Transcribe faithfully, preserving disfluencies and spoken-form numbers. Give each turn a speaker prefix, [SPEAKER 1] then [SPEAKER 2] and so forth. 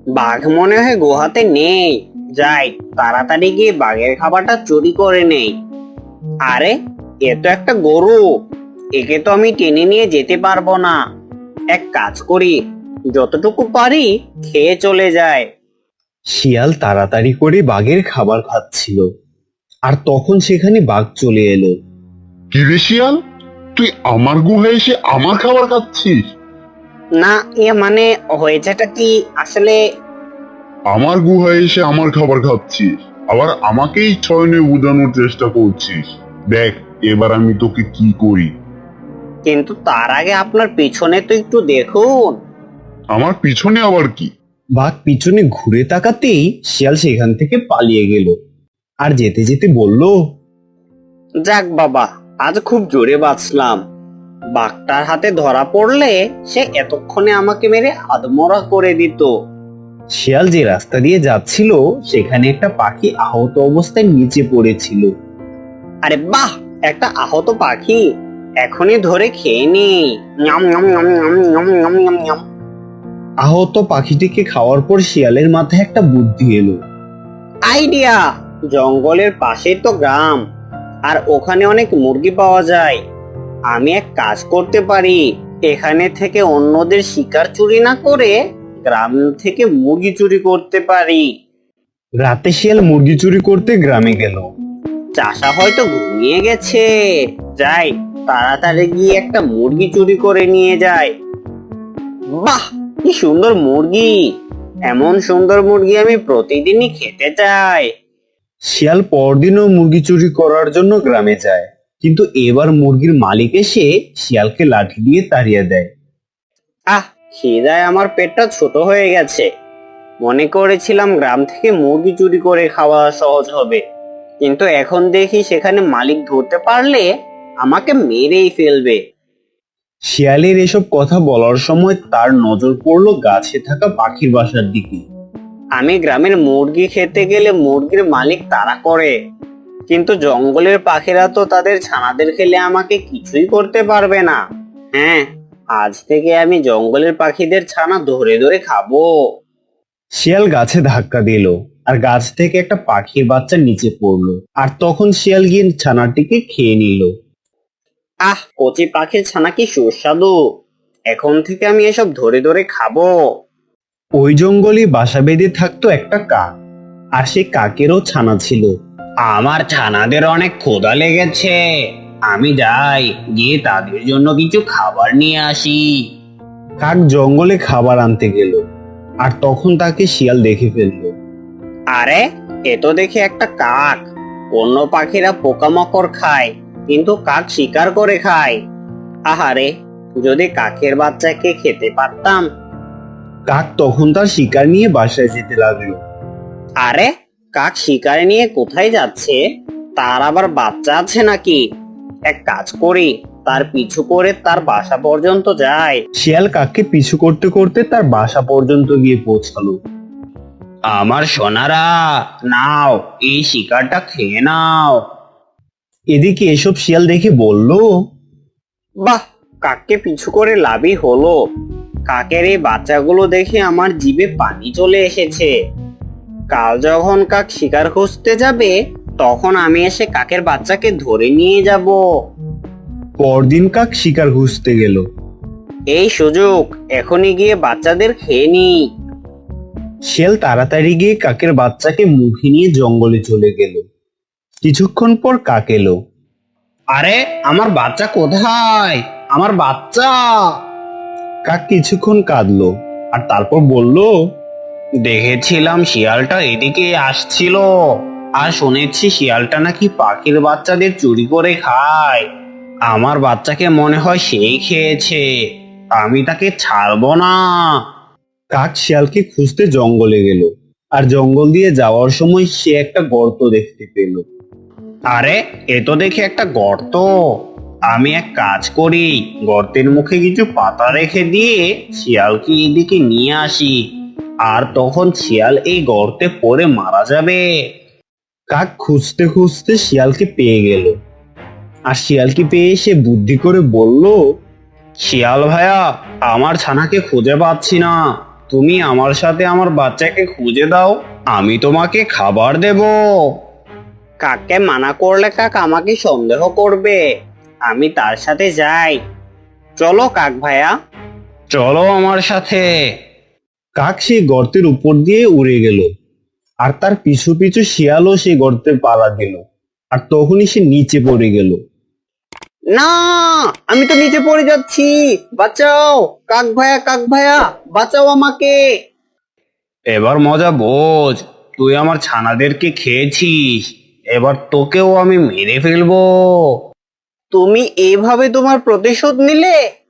[SPEAKER 1] বাঘ মনে হয় গুহাতে নেই। যাই, তাড়াতাড়ি গিয়ে বাঘের খাবারটা চুরি করে নেই। আরে, এ তো একটা গরু। একে তো আমি টেনে নিয়ে যেতে পারবো না। এক কাজ করি, যতটুকু পারি খেয়ে চলে যায়।
[SPEAKER 2] শিয়াল তাড়াতাড়ি করে বাঘের খাবার খাচ্ছিল, আর তখন সেখানে বাঘ চলে এলো।
[SPEAKER 3] কিরে শিয়াল, তুই আমার গুহায় এসে আমার খাবার খাচ্ছিস?
[SPEAKER 1] না, এ মানে হয়েছেটা কি আসলে।
[SPEAKER 3] আমার গুহায় এসে আমার খাবার খাচ্ছিস, আবার আমাকেই ছয়নে বোঝানোর চেষ্টা করছিস। দেখ এবার আমি তোকে কি করি।
[SPEAKER 1] কিন্তু তার আগে আপনার পিছনে তো একটু দেখুন।
[SPEAKER 3] আমার পিছনে আবার কি?
[SPEAKER 2] বাঘ পিছনে ঘুরে তাকাতেই শিয়াল সেখান থেকে পালিয়ে গেল, আর যেতে যেতে বলল,
[SPEAKER 1] যাক বাবা, আজ খুব জোরে বাঁচলাম। বাঘটার হাতে ধরা পড়লে সে এতক্ষণে আমাকে মেরে আধমরা করে দিত।
[SPEAKER 2] শিয়াল যে রাস্তা দিয়ে যাচ্ছিল সেখানে একটা পাখি আহত অবস্থায় নিচে পড়েছিল।
[SPEAKER 1] আরে বাহ, একটা আহত পাখি, এখনই ধরে খেয়ে নি। ñam ñam ñam ñam ñam ñam ñam ñam।
[SPEAKER 2] আহত পাখিটিকে খাওয়ার পর শিয়ালের মাথায় একটা বুদ্ধি এলো।
[SPEAKER 1] আইডিয়া! জঙ্গলের পাশেই তো গ্রাম, আর ওখানে অনেক মুরগি পাওয়া যায়। আমি এক কাজ করতে পারি, এখানে থেকে অন্যদের শিকার চুরি না করে গ্রাম থেকে মুরগি চুরি করতে পারি।
[SPEAKER 2] রাতে শিয়াল মুরগি চুরি করতে গ্রামে গেল।
[SPEAKER 1] চাষা হয়তো ঘুমিয়ে গেছে। যাই, তাড়াতাড়ি গিয়ে একটা মুরগি চুরি করে নিয়ে যায়। বাহ, কি সুন্দর মুরগি! এমন সুন্দর মুরগি আমি প্রতিদিনই খেতে চাই।
[SPEAKER 2] শিয়াল পরদিনও মুরগি চুরি করার জন্য গ্রামে যায়, কিন্তু এবার মুরগির মালিক এসে শিয়ালকে লাঠি দিয়ে তাড়িয়ে দেয়।
[SPEAKER 1] আহ, খিদায় আমার পেটটা ছোট হয়ে গেছে। মনে করেছিলাম গ্রাম থেকে মুরগি চুরি করে খাওয়া সহজ হবে, কিন্তু এখন দেখি সেখানে মালিক ধরতে পারলে আমাকে মেরেই ফেলবে।
[SPEAKER 2] শিয়ালের এসব কথা বলার সময় তার নজর পড়লো গাছে থাকা পাখির বাসার দিকে।
[SPEAKER 1] আমি গ্রামের মুরগি খেতে গেলে মুরগির মালিক তাড়া করে, কিন্তু জঙ্গলের পাখিরা তো তাদের ছানাদের খেলে আমাকে কিছুই করতে পারবে না। হ্যাঁ, আজ থেকে আমি জঙ্গলের পাখিদের ছানা ধরে ধরে খাবো।
[SPEAKER 2] শিয়াল গাছে ধাক্কা দিল, আর গাছ থেকে একটা পাখির বাচ্চা নিচে পড়লো, আর তখন শিয়াল গিয়ে ছানাটিকে খেয়ে নিল।
[SPEAKER 1] আহ, কচি পাখির ছানা কি সুস্বাদু! এখন থেকে আমি এসব ধরে ধরে খাবো।
[SPEAKER 2] ওই জঙ্গলে বাসা বেঁধে থাকতো একটা কাক, আর সেই কাকেরও ছানা ছিল।
[SPEAKER 1] আমার ছানাদের অনেক ক্ষুধা লেগেছে, আমি যাই, গিয়ে তাদের জন্য কিছু খাবার নিয়ে আসি।
[SPEAKER 2] কাক জঙ্গলে খাবার আনতে গেল, আর তখন তাকে শিয়াল দেখে ফেললো।
[SPEAKER 1] আরে, এ তো দেখি একটা কাক। অন্য পাখিরা পোকামাকড় খায়, কিন্তু কাক শিকার করে খায়। আহারে, যদি কাকের বাচ্চাকে খেতে পারতাম।
[SPEAKER 2] কাক তখন তার শিকার নিয়ে বাসায় যেতে লাগলো।
[SPEAKER 1] আরে, কাক শিকার নিয়ে কোথায় যাচ্ছে? তার আবার বাচ্চা আছে নাকি? এক কাজ করি, তার পিছু করে তার বাসা পর্যন্ত যাই।
[SPEAKER 2] শিয়াল কাককে পিছু করতে করতে তার বাসা পর্যন্ত গিয়ে পৌঁছালো।
[SPEAKER 1] আমার সোনারা, নাও, এই শিকারটা খেয়ে নাও।
[SPEAKER 2] এদিকে এসব শিয়াল দেখে বলল,
[SPEAKER 1] বাহ, কাককে পিছু করে লাভই হলো। কাকের এই বাচ্চাগুলো দেখে আমার জিভে পানি চলে এসেছে। কাল যখন কাক শিকার খুঁজতে যাবে, তখন আমি এসে কাকের বাচ্চাকে ধরে নিয়ে যাব।
[SPEAKER 2] পরদিন কাক শিকার খুঁজতে গেল।
[SPEAKER 1] এই সুযোগ, এখনই গিয়ে বাচ্চাদের খেয়ে নি।
[SPEAKER 2] শিয়াল তাড়াতাড়ি গিয়ে কাকের বাচ্চাকে মুখে নিয়ে জঙ্গলে চলে গেল। কিছুক্ষণ পর কাক এলো।
[SPEAKER 1] আরে, আমার বাচ্চা কোথায়? আমার বাচ্চা!
[SPEAKER 2] কাক কিছুক্ষণ কাঁদলো, আর তারপর বলল,
[SPEAKER 1] দেখেছিলাম শিয়ালটা এদিকে আসছিল, আর শুনেছি শিয়ালটা নাকি পাখির বাচ্চাদের চুরি করে খায়। আমার বাচ্চাকে মনে হয় সেই খেয়েছে। আমি তাকে ছাড়বো না।
[SPEAKER 2] কাক শিয়ালকে খুঁজতে জঙ্গলে গেল, আর জঙ্গল দিয়ে যাওয়ার সময় সে একটা গর্ত দেখতে পেল।
[SPEAKER 1] আরে, এ তো দেখি একটা গর্ত। আমি এক কাজ করি, গর্তের মুখে কিছু পাতা রেখে দিয়ে শিয়ালকে এদিকে নিয়ে আসি, আর তখন শিয়াল এই গর্তে পড়ে মারা যাবে।
[SPEAKER 2] কাক খুঁজতে খুঁজতে শিয়ালকে পেয়ে গেল, আর শিয়ালকে পেয়ে সে বুদ্ধি করে বলল,
[SPEAKER 1] শিয়াল ভাইয়া, আমার ছানাকে খুঁজে পাচ্ছি না,
[SPEAKER 2] তুমি আমার সাথে আমার বাচ্চাকে খুঁজে দাও, আমি তোমাকে খাবার দেব।
[SPEAKER 1] কাককে মানা করলে কাক আমাকে সন্দেহ করবে। আমি তার সাথে যাই। চলো কাক ভাইয়া।
[SPEAKER 2] চলো আমার সাথে। কাক সেই গর্তের উপর দিয়ে উড়ে গেল, আর তার পিছু পিছু শিয়ালও সেই গর্তে পাড়া দিল। আর তখনই সে নিচে পড়ে গেল।
[SPEAKER 1] না, আমি তো নিচে পড়ে যাচ্ছি। বাঁচাও কাক ভাইয়া, কাক ভাইয়া বাঁচাও আমাকে।
[SPEAKER 2] এবার মজা বোঝ, তুই আমার ছানাদেরকে খেয়েছিস, এবার তোকেও আমি মেরে ফেলবো।
[SPEAKER 1] তুমি এইভাবে তোমার প্রতিশোধ নিলে?